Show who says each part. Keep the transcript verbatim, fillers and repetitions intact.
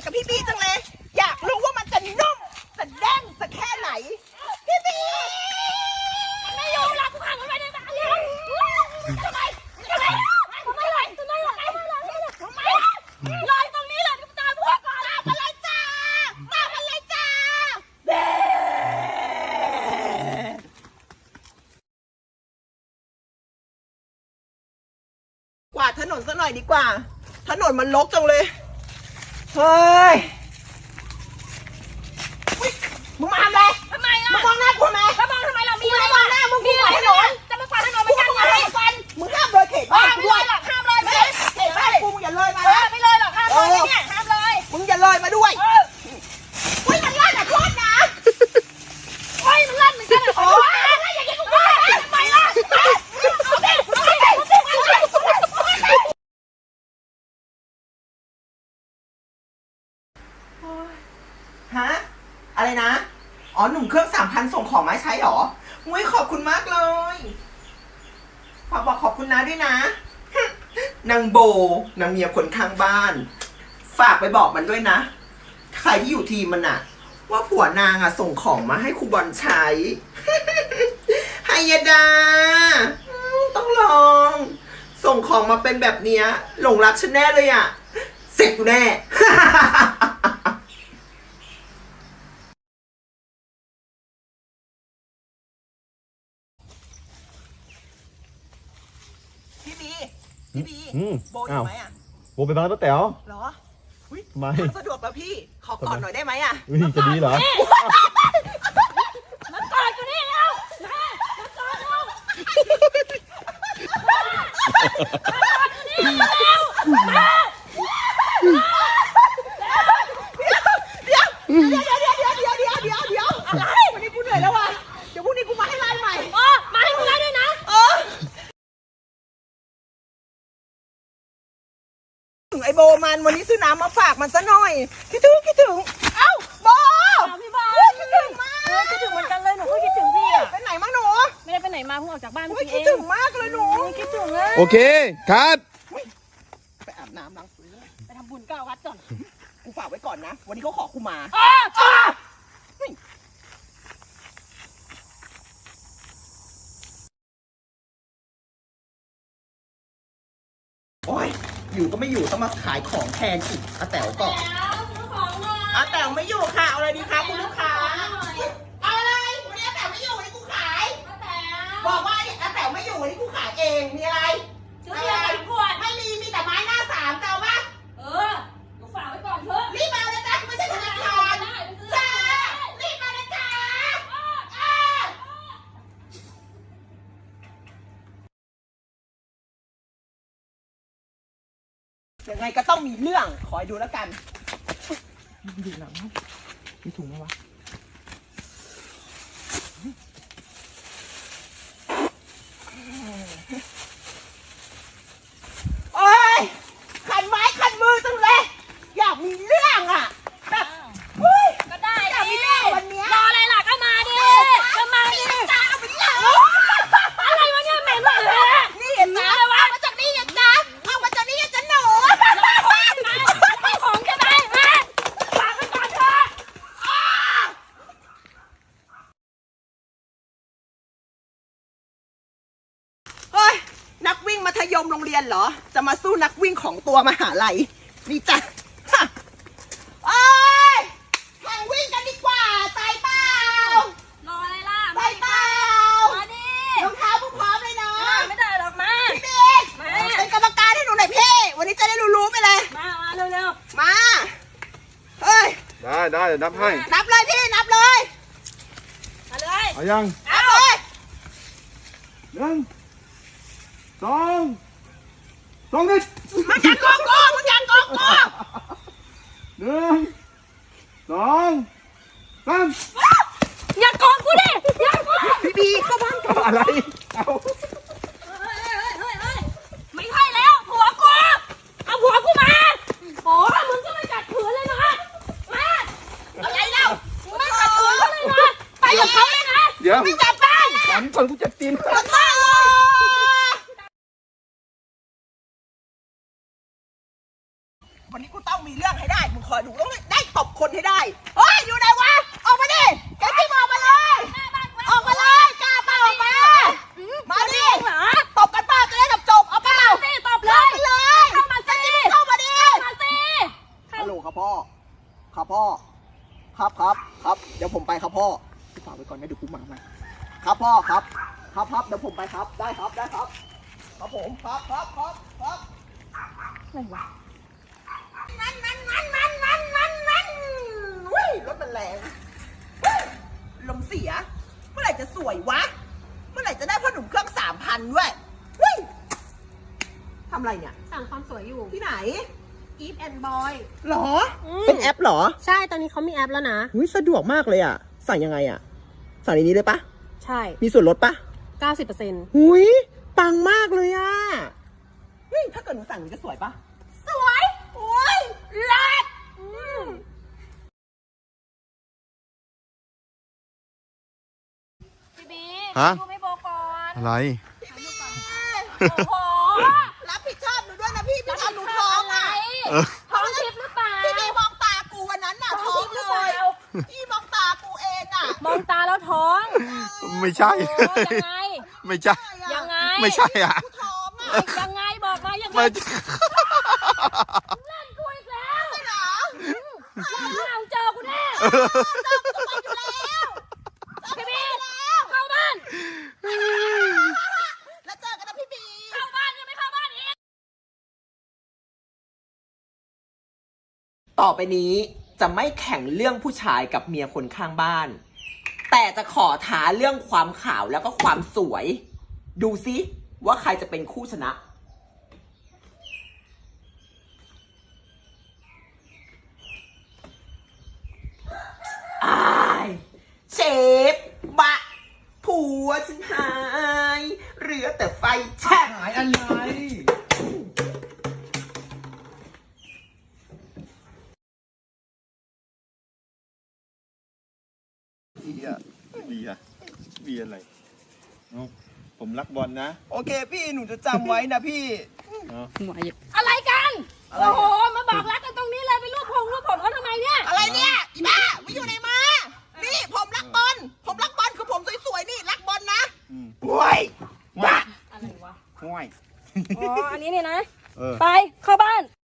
Speaker 1: กับพี่บีจังเลยอยากรู้ว่ามันจะนุ่มจะแน่นจะแค่ไหนพี่บีไม่ยอมรับผ่านไปเลยทำไมทำไมทำไมทำไมทำไมทำไมลอยตรงนี้เลยตามพวกก่อนตามมาเลยจ้าตามมาเลยจ้าเด้กวาดถนนซะหน่อยดีกว่าถนนมันรกจังเลยเฮ้ยมึงมาทำอะไรทำไมล่ะมึงมองหน้ากูทำไมแล้วมองทำไมเรามีอะไรมองหน้ามึงกูกวาดถนนจะมากวาดถนนไม่ใช่ไงมึงห้ามเลยเขตบ้านกูด้วยห้ามเลยเขตบ้านกูมึงอย่าเลยมาไม่เลยหรอกห้ามเลยเนี่ยห้ามเลยมึงอย่าเลยมาด้วยเฮ้ยมันลั่นอ่ะโทษนะเฮ้ยมันลั่นเหมือนกันโอ้ยอย่างนี้กูว่าทำไมล่ะเอาดิเอาดิเอาดิฮะอะไรนะอ๋อหนุ่มเครื่องสามพันส่งของมาใช้หรอมุ้ยขอบคุณมากเลยฝากบอกขอบคุณนะด้วยนะนางโบนางเมียคนข้างบ้านฝากไปบอกมันด้วยนะใครที่อยู่ทีมมันอะว่าผัวนางอะส่งของมาให้ครูบอลใช้ไฮยดาต้องลองส่งของมาเป็นแบบเนี้ยหลงรักฉันแน่เลยอะเสร็จกูแน่พี่บีพี่บีโบอยู่ไหมอ่ะ
Speaker 2: โบไปบ้านป้าแต๋ว
Speaker 1: เหรอ
Speaker 2: ไม่
Speaker 1: สะดวกแล้วพี่ขอกอดหน่อยได้ไหมอ่ะ
Speaker 2: จะดีเหรอ
Speaker 1: มากอดกูนี่เร็วมากอดเราเดี๋ยวเดี๋ยวเดี๋ยวเดี๋ยวเดี๋ยวเดี๋ยวเดี๋ยวเดี๋ยวอะไรวันนี้กูเหนื่อยแล้วว่ะเดี๋ยวพรุ่งนี้กูมาให้ไล่ใหม่เออมาให้มึงไล่ด้วยนะเออถึงไอโบมันวันนี้ซื้อน้ำมาฝากมันซะหน่อยคิดถึงคิดถึงเอ้าโบพี่บอลคิดถึงมาก
Speaker 3: คิดถึงเหมือนกันเลยหนูก็คิดถึงพี่อ่ะ
Speaker 1: ไปไหนมาหนู
Speaker 3: ไม่ได้ไปไหนมาเพิ่งออกจากบ้านพี่เอง
Speaker 1: คิดถึงมากเลยหนู
Speaker 3: คิดถึงเลย
Speaker 2: โอเคคัด
Speaker 1: ไปอาบน้ำล้างตัว
Speaker 3: ไปทำบุญเก้าวัดก่อน
Speaker 1: กูฝากไว้ก่อนนะวันนี้เขาขอกูมาโอ้ยอยู่ก็ไม่อยู่ต้องมาขายของแทนอีกอาแต๋วก่อนอาแต๋วไม่อยู่ค่ะเอาอะไรดีคะคุณลูกค้าเอาอะไรวันนี้อาแต๋วไม่อยู่วันนี้กูขายบอกว่าอาแต๋วไม่อยู่วันนี้กูขายเองมีอะไรอะไรไม่มีมีแต่ไม้หน้าสามเจ้าปะ
Speaker 3: เออหนูฝากไว้ก่อนเถอะ
Speaker 1: รีบมาเลยจ้าไม่ใช่ธนาคารจ้ารีบมาเลยจ้ายังไงก็ต้องมีเรื่องคอยดูแล้วกันดูหนังมีถุงไหมวะโอ้ยขันไม้ขันมือจังเลยอยากมีเรื่องอ่ะแบบเฮ้ย
Speaker 3: ก็ได้
Speaker 1: อยากมีเรื่องวันนี้
Speaker 3: รออะไรล่ะก็มาดิก็มาดิ
Speaker 1: จ้าเอาไปเลย
Speaker 3: อะไรวะเนี่ยแม่มาเลย
Speaker 1: นี่เห็นจ้าเอามาจากนี่เห็นจ้าเอามาจากนี่เห็นจ้าหนู
Speaker 3: ของจะได้ฮะฝากไว้ก่อนเถอะ
Speaker 1: เฮ้ยนักวิ่งมัธยมโรงเรียนเหรอจะมาสู้นักวิ่งของตัวมหาลัยนี่จ้ะโอ้ยแข่งวิ่งกันดีกว่าใจเปล่าร
Speaker 3: ออะไรล่ะ
Speaker 1: ใจเปล่า
Speaker 3: มาดิ
Speaker 1: รองเท้าพร้อมเลยเนาะ
Speaker 3: ไม่ได้หรอกมา
Speaker 1: พี่บิ๊กเป็นกรรมการให้หนูหน่อยพี่วันนี้จะได้รู้ๆไปเลย
Speaker 3: มามาเร็ว
Speaker 1: ๆมาเฮ้ย
Speaker 2: ได้ได้เดี๋ยวนับให้
Speaker 1: นับเลยพี่นับเลย
Speaker 3: มาเลย
Speaker 2: เอายัง
Speaker 1: เอาเลย
Speaker 2: หนึ่งสองสองนิด
Speaker 1: มันยันโกโก้มันยันโกโก้
Speaker 2: หนึ่งสองสาม
Speaker 3: อย่าโกงกูดิอย่าโกง
Speaker 1: พี่บีเข้าบ้านกัน
Speaker 2: อะไรเอา
Speaker 3: ไม่ใช่แล้วผัวกูเอาผัวกูมาโอ้มึงก็ไม่กัดขืนเลยนะมา
Speaker 1: อะไรเล่า
Speaker 3: ไม่กัดขืนเลยนะไปกับเขาเลยนะ
Speaker 2: เดี๋ยว
Speaker 1: ไม่จับบ้าน
Speaker 2: ตอนนี้ก่อนกูจะตีน
Speaker 1: วันนี้กูต้องมีเรื่องให้ได้ มึงคอยดูต้องได้ตบคนให้ได้เฮ้ยอยู่ไหนวะ ออกมาดิแกจิ้มออกมาเลย ออกมาเลยกล้าเปล่าออกมา มาดิตบกันเปล่าจะได้จบจบเอาเปล่า
Speaker 3: สิตบเลย
Speaker 1: เลย
Speaker 3: เข้ามาสิ
Speaker 1: เข้ามาดิ
Speaker 3: มาสิ
Speaker 2: ฮัลโหลครับพ่อ ครับพ่อ ครับครับครับ เดี๋ยวผมไปครับพ่อพี่ฝากไว้ก่อนนะเดี๋ยวกูมาใหม่ครับพ่อครับ ครับครับเดี๋ยวผมไปครับ ได้ครับได้ครับ ครับผมครับครับครับครับ
Speaker 3: อะไรวะ
Speaker 1: มันมันมันมันมันมันมันอุ้ยรถมันแรงเฮ้ยลมเสีย เมื่อไหร่จะสวยวะ เมื่อไหร่จะได้พ่อหนุ่มเครื่องสามพันด้วยเฮ้ยทำอะไรเนี่ย
Speaker 3: สั่งความสวยอยู่
Speaker 1: ที่ไหน
Speaker 3: Eve and Boy
Speaker 1: หรอ
Speaker 3: อืม
Speaker 1: เป็นแอปหรอ
Speaker 3: ใช่ตอนนี้เขามีแอปแล้วนะ
Speaker 1: อุ้ยสะดวกมากเลยอ่ะ สั่งยังไงอ่ะ สั่งในนี้เลยปะ
Speaker 3: ใช่
Speaker 1: มีส่วนลดปะ
Speaker 3: เก้าสิบเปอร์เซ็นต์
Speaker 1: หุยปังมากเลยอ่ะเฮ้ยถ้าเกิดหนูสั่งหนูจะสวยปะสวยโอ้ยเลิศอืม
Speaker 3: พี่บี
Speaker 2: ฮะ
Speaker 3: ดูไม่โบก่อน
Speaker 2: อะไร
Speaker 3: โอ้โห
Speaker 1: รับผิดชอบหนูด้วยนะพี่พี่ทำหนูท้องอ่ะ
Speaker 2: เออ
Speaker 3: ท้องทิพย์หรือเปล่า
Speaker 1: พี่บีมองตากูวันนั้นน่ะ
Speaker 3: ท้
Speaker 1: ท้
Speaker 3: อ
Speaker 1: อง ง
Speaker 3: ทิพย์ห
Speaker 1: เล
Speaker 3: รือเปล่าย
Speaker 1: พี่มองตากูเองอ่ะ
Speaker 3: มองตาแล้วท้อง
Speaker 2: ไม่ใช่
Speaker 3: โอ้ยังไง
Speaker 2: ไม่ใช่
Speaker 3: ยังไง
Speaker 2: ไม่ใช่อ่ะ
Speaker 1: กูท้องอ่ะ
Speaker 3: ยังไงบอกมายังไง
Speaker 2: ไม่
Speaker 3: เล่นกูอีกแล้ว
Speaker 1: ไม่เหรอ
Speaker 3: วันหลังเจอกูแน่
Speaker 1: เจอกูทุกวันอยู่แล้ว
Speaker 3: พี่บีเข้าบ้าน
Speaker 1: แล้วเจอกันนะพี่บี
Speaker 3: เข้าบ้านยังไม่เข้าบ้านอีก
Speaker 1: ต่อไปนี้จะไม่แข่งเรื่องผู้ชายกับเมียคนข้างบ้าน แต่จะขอท้าเรื่องความขาวแล้วก็ความสวย ดูซิว่าใครจะเป็นคู่ชนะ อายเชฟบะผัวฉันหายเหลือแต่ไฟแช่
Speaker 2: หายอะไร เบียร์เบียร์เบียร์อะไรเอ้าผมรักบอลนะ
Speaker 1: โอเคพี่หนูจะจำไว้นะพี่
Speaker 2: เอ้า
Speaker 3: อะไรกัน
Speaker 1: อะไร
Speaker 3: โอ้โห มาบอกรักกันตรงนี้เลยไปรูปพงรูปผมเขาทำไมเนี่ย
Speaker 1: อะไรเนี่ยอีบ้าไม่อยู่ไหนมา นี่ผมรักบอล ผมรักบอลคือผมสวยๆนี่รักบอลนะ
Speaker 2: อืม
Speaker 1: โว้ยบ้า
Speaker 3: อะไรวะ
Speaker 2: ห้วย
Speaker 3: อ๋อ อันนี้เนี่ยนะ
Speaker 2: เออ
Speaker 3: ไป เข้าบ้าน